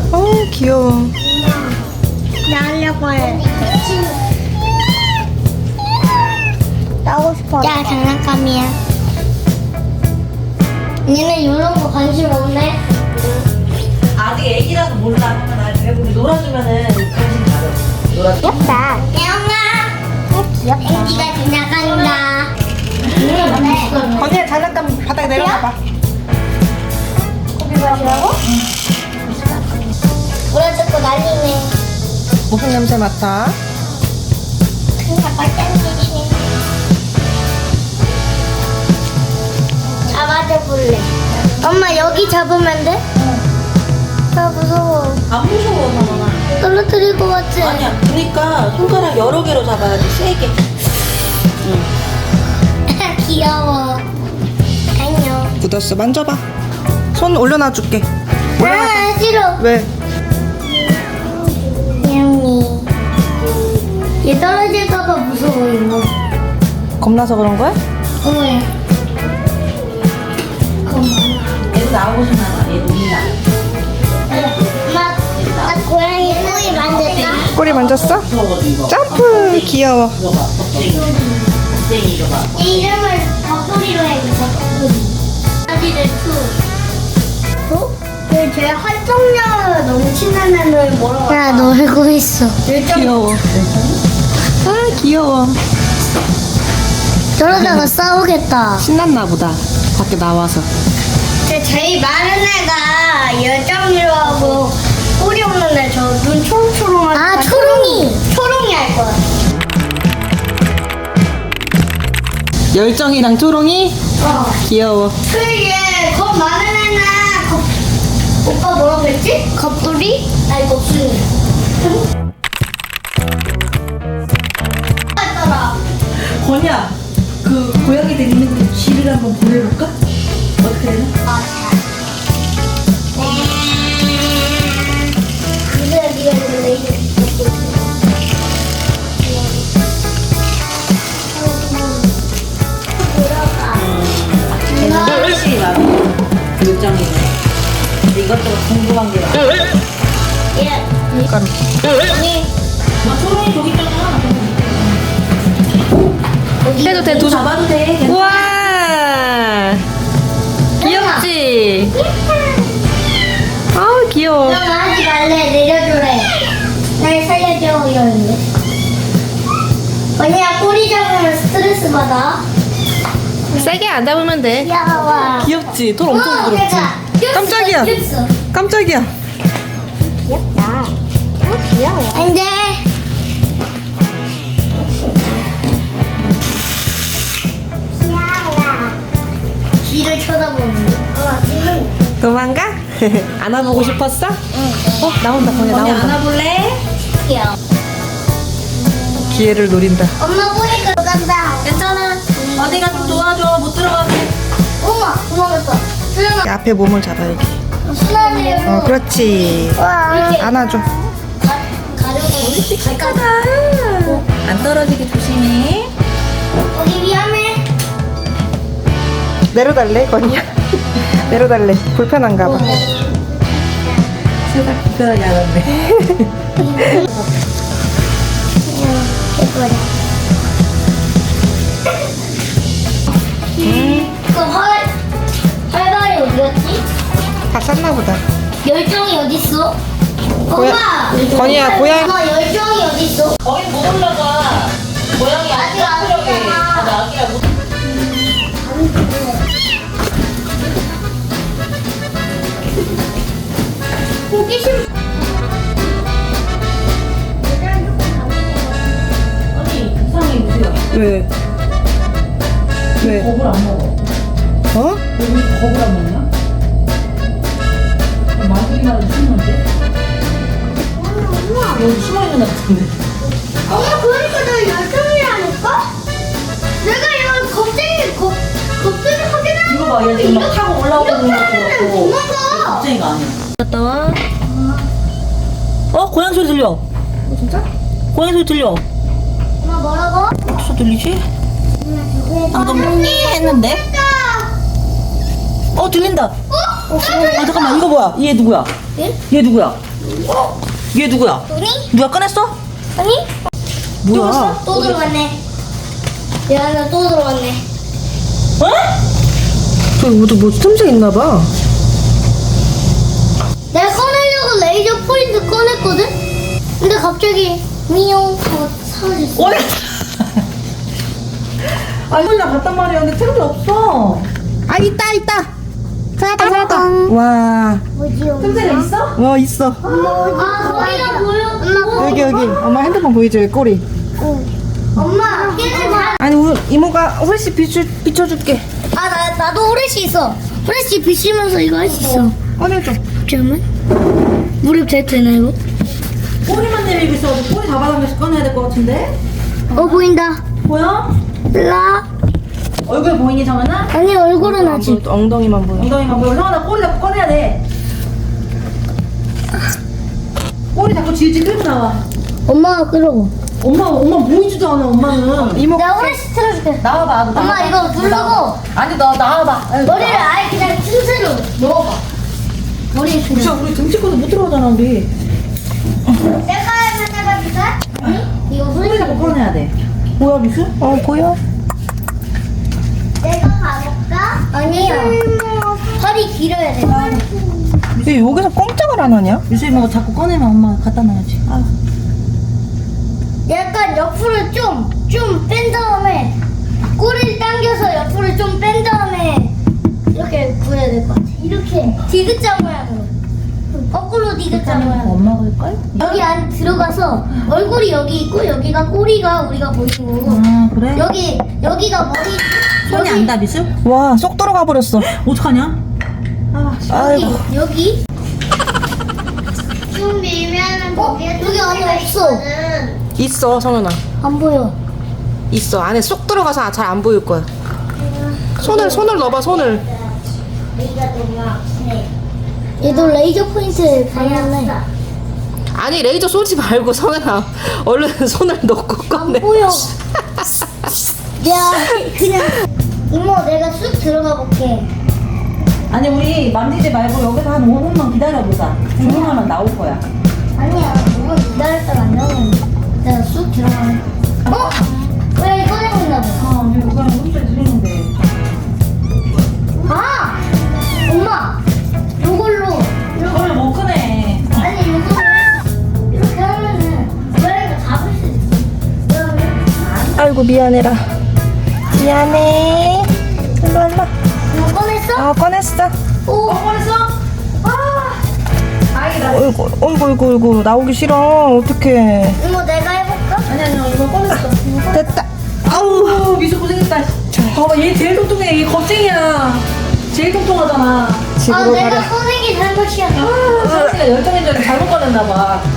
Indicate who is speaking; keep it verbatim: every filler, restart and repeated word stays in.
Speaker 1: 어 귀여워.
Speaker 2: 나 하려고 해. 나오고 싶어. 야, 장난감이야. 니네 이런 거 관심 없네?
Speaker 3: 아직 애기라서 몰라. 하면 나중에 우리 놀아주면은 관심 가져. 놀아줘.
Speaker 2: 귀엽다. 태영아. 귀엽다. 애기가 지나간다.
Speaker 1: 건이야 장난감 바닥에 내려놔봐.
Speaker 2: 커피 마시라고? 물어뜯고 난리네.
Speaker 1: 무슨 냄새 맡아?
Speaker 2: 그냥 빨간색이네. 잡아줘볼래. 엄마 여기 잡으면 돼? 나 무서워.
Speaker 3: 안 무서워, 상원아.
Speaker 2: 떨어뜨릴 것 같지?
Speaker 3: 아니야. 그러니까 손가락 여러 개로 잡아야지. 세게.
Speaker 2: 귀여워. 안녕.
Speaker 1: 묻었어. 만져봐. 손 올려놔줄게. 올려놔.
Speaker 2: 아, 싫어.
Speaker 1: 왜?
Speaker 2: 태영이. 얘 떨어질까봐 무서워, 이거.
Speaker 1: 겁나서 그런 거야?
Speaker 2: 어머야.
Speaker 3: 얘도 나오고 싶나 봐. 얘 놀리나.
Speaker 2: 엄마, 나 고양이 꼬리 만졌다.
Speaker 1: 꼬리 만졌어?
Speaker 3: 무서워가지고.
Speaker 1: 점프. 귀여워.
Speaker 3: 이거 봐. 껍데기. 껍데기 이거 봐.
Speaker 2: 얘 이름을 닭꼬리로 해야겠다, 닭꼬리. 아기들 투. 어? 쟤 활동량 넘치는 애를 뭐라고 할까? 야, 놀고 있어.
Speaker 1: 귀여워. 아 귀여워.
Speaker 2: 저러다가 싸우겠다.
Speaker 1: 신났나 보다. 밖에 나와서.
Speaker 2: 쟤 제일 많은 애가 열정이로 하고 꼬리 없는 애 저 눈 초롱초롱한 아, 초롱이. 초롱이 할 거야.
Speaker 1: 열정이랑 초롱이?
Speaker 2: 어.
Speaker 1: 귀여워.
Speaker 2: 그게 겁 많은 애는 겁... 오빠 뭐라고 했지? 겁돌이? 아니 겁순이. 했더라.
Speaker 3: 건이야. 그 고양이들 있는 그 쥐를 한번 보내볼까? 어떻게 되나?
Speaker 2: 근데 네가 이거 이제
Speaker 3: 걔는 훨씬 많아. 요정이네. 근데 이것저것 궁금한 게 많아.
Speaker 2: 얘
Speaker 1: 그러니까
Speaker 2: 언니
Speaker 3: 아, 초롱이 저기 있잖아.
Speaker 1: 해도 돼. 두 손.
Speaker 3: 잡아도 돼. 괜찮아.
Speaker 1: 우와. 귀엽지? 아우 귀여워.
Speaker 2: 너 하지 말래 내려주래. 날 살려줘 이러는데. 언니야 꼬리 잡으면 스트레스 받아.
Speaker 1: 세게 안 잡으면 돼.
Speaker 2: 귀여워.
Speaker 1: 귀엽지? 돌 엄청
Speaker 2: 어,
Speaker 1: 부드럽지?
Speaker 2: 내가 꼈어,
Speaker 1: 깜짝이야.
Speaker 2: 꼈어.
Speaker 1: 깜짝이야.
Speaker 2: 귀엽다. 어, 귀여워. 안 돼. 귀여워. 뒤를 쳐다보는 어, 지금.
Speaker 1: 도망가? 안아보고 싶었어? 어 나온다. 건이
Speaker 3: 건이
Speaker 1: 나온다.
Speaker 3: 안아볼래?
Speaker 2: 귀여워.
Speaker 1: 기회를 노린다.
Speaker 2: 엄마 보니까 간다.
Speaker 3: 괜찮아. 어디가 좀 도와줘. 못 들어가게.
Speaker 2: 엄마, 도망갔다. 수영아,
Speaker 1: 앞에 몸을 잡아야지.
Speaker 2: 수영이.
Speaker 1: 어 그렇지.
Speaker 2: 와.
Speaker 1: 안아줘.
Speaker 2: 가려고.
Speaker 3: 갈까봐. 안 떨어지게 조심해.
Speaker 2: 거기 위험해.
Speaker 1: 내려달래 건이야. 내려달래. 불편한가 봐.
Speaker 3: 세상 불편하게 안 한대.
Speaker 2: 예뻐라. 그 헐, 헐발이 어디 갔지?
Speaker 1: 다 쌌나 보다.
Speaker 2: 열정이 어딨어?
Speaker 1: 고야-
Speaker 2: 엄마!
Speaker 1: 건이야, 고양-
Speaker 2: 엄마, 열정이 어딨어?
Speaker 3: 거기 못 올라가. 고양이
Speaker 2: 아직 안
Speaker 3: 아기라고.
Speaker 2: 왔잖아.
Speaker 3: 맞아, 아기라 못.
Speaker 2: 호기심.
Speaker 3: 아니, 이상해, 무수야.
Speaker 1: 왜? 왜?
Speaker 3: 겁을 안 먹어.
Speaker 1: 어?
Speaker 3: 여기 겁을 안 먹냐? 마술이나 숨는데? 여기 숨어있는 것 같은데.
Speaker 2: 엄마, 그러니까 나 열정이라니까? 내가 이걸 겁쟁이, 겁, 겁쟁이 하긴 하는
Speaker 3: 이거 봐, 얘 지금 막 타고 올라오는 것 같고.
Speaker 2: 도망가.
Speaker 3: 겁쟁이가 아니야. 갔다 와. 어? 고양 소리 들려.
Speaker 1: 진짜?
Speaker 3: 고양 소리 들려.
Speaker 2: 엄마, 뭐라고?
Speaker 3: 어디서 들리지? 방금 했는데? 어 들린다.
Speaker 2: 어?
Speaker 3: 아 잠깐만 이거 뭐야? 얘 누구야?
Speaker 2: 예?
Speaker 3: 얘 누구야? 어? 얘 누구야?
Speaker 2: 아니?
Speaker 3: 누가 꺼냈어?
Speaker 2: 아니?
Speaker 3: 뭐야?
Speaker 2: 또 들어갔네. 얘가 또 들어갔네.
Speaker 3: 어?
Speaker 1: 저기 뭐, 뭐 틈새 있나봐.
Speaker 2: 내가 꺼내려고 레이저 포인트 꺼냈거든? 근데 갑자기 미용 하고 사라졌어.
Speaker 3: 어야. 아니 나 봤단 말이야. 근데 틈새 없어.
Speaker 1: 아, 있다, 있다. 찾았다, 찾았다. 와,
Speaker 2: 뭐지요?
Speaker 3: 틈새가 있어?
Speaker 1: 와, 있어.
Speaker 2: 아, 거기가 보여. 엄마,
Speaker 1: 여기, 여기. 엄마 핸드폰 보이죠? 여기 꼬리.
Speaker 2: 엄마, 걔는 다.
Speaker 1: 아니, 우리 이모가 훨씬 비추, 비춰줄게.
Speaker 2: 아, 나, 나도 후레쉬 있어. 후레쉬 비치면서 이거 할 수 있어.
Speaker 1: 꺼내줘.
Speaker 2: 잠깐만. 무릎 잘 되나, 이거?
Speaker 3: 꼬리만 내밀고 있어가지고 꼬리 잡아당겨서 꺼내야 될 것 같은데?
Speaker 2: 어, 보인다.
Speaker 3: 보여?
Speaker 2: 라.
Speaker 3: 얼굴 보이니 정하나?
Speaker 2: 아니, 얼굴은
Speaker 1: 안
Speaker 2: 아직.
Speaker 1: 보여, 엉덩이만 보여.
Speaker 3: 엉덩이만 보여. 성환아 꼬리 잡고 꺼내야 돼. 꼬리 잡고 질질 끌고 나와.
Speaker 2: 엄마가 끌어고.
Speaker 3: 엄마 엄마 보이지도 않아 엄마는.
Speaker 1: 이모,
Speaker 2: 내가 후레쉬 틀어줄게.
Speaker 3: 나와봐. 너
Speaker 2: 엄마,
Speaker 3: 나와봐.
Speaker 2: 이거
Speaker 3: 너
Speaker 2: 누르고.
Speaker 3: 나와봐. 아니 너 나와봐. 아니,
Speaker 2: 머리를
Speaker 3: 나와봐.
Speaker 2: 아예 그냥 틈새로 넣어봐. 머리에 그냥.
Speaker 3: 진짜 우리 등치 커서 못 들어가잖아 우리.
Speaker 2: 내가 하나 해봐줄까? 아니? 이거
Speaker 3: 꼬리
Speaker 2: 후레쉬.
Speaker 3: 잡고 꺼내야 돼. 뭐야 미수?
Speaker 1: 어, 보여?
Speaker 2: 내가 가볼까? 아니야. 허리 길어야 돼.
Speaker 1: 얘 여기서 꼼짝을 안 하냐?
Speaker 3: 미수 이모가 자꾸 꺼내면 엄마 갖다 놔야지. 아.
Speaker 2: 약간 옆으로 좀, 좀 뺀 다음에 꼬리를 당겨서 옆으로 좀 뺀 다음에 이렇게 구해야 될 것 같아. 이렇게 디귿자 모양으로. 거꾸로 디귿자 모양으로.
Speaker 3: 엄마 그럴걸?
Speaker 2: 여기 안 들어가서 얼굴이 여기 있고 여기가 꼬리가 우리가 보이고
Speaker 3: 아 그래?
Speaker 2: 여기 여기가 머리
Speaker 3: 손이
Speaker 2: 여기,
Speaker 3: 안 닿아 미수?
Speaker 1: 와, 쏙 들어가 버렸어.
Speaker 3: 어떡하냐? 아 씨.
Speaker 1: 아이고.
Speaker 2: 여기 좀 밀면은 어? 여기 안에 없어.
Speaker 1: 있어, 성현아.
Speaker 2: 안 보여.
Speaker 1: 있어. 안에 쏙 들어가서 잘 안 보일 거야. 손을, 손을 넣어봐, 손을.
Speaker 2: 얘도 레이저 포인트 발랐네.
Speaker 1: 아니, 레이저 쏘지 말고, 성현아. 얼른 손을 넣고
Speaker 2: 안
Speaker 1: 꺼내.
Speaker 2: 보여. 내가 그냥 이모 내가 쑥 들어가 볼게.
Speaker 3: 아니 우리 만지지 말고 여기서 한 오 분만 기다려보자. 조용하면 나올 거야.
Speaker 2: 아니야, 이건 기다렸다가 안 나오는데. 내가 쑥 들어가면. 어? 왜 꺼내고 있나 봐.
Speaker 3: 아 이거 그냥 혼자 들리는데.
Speaker 2: 아! 엄마! 요걸로.
Speaker 3: 이걸 못 꺼내.
Speaker 2: 아니, 요거를 이렇게 하면은 고양이가 잡을 수 있어. 그러면
Speaker 1: 아이고, 미안해라. 미안해. 일로 일로.
Speaker 2: 이거 꺼냈어?
Speaker 1: 아, 꺼냈어.
Speaker 2: 오!
Speaker 3: 꺼냈어?
Speaker 2: 아!
Speaker 3: 다행이다.
Speaker 1: 어이구, 어이구, 어이구, 어이구. 나오기 싫어. 어떡해.
Speaker 2: 이모 내가 해볼까?
Speaker 3: 아니 아니 이거 꺼냈어.
Speaker 1: 됐다.
Speaker 3: 아우 미수 고생했다. 봐봐 얘 제일 통통해. 얘 겁쟁이야. 제일 통통하잖아.
Speaker 2: 아,
Speaker 1: 집으로
Speaker 2: 내가
Speaker 1: 가려.
Speaker 2: 꺼낸 게 잘못이야.
Speaker 3: 아, 사실가 열정인 줄 알고 잘못 꺼냈나 봐.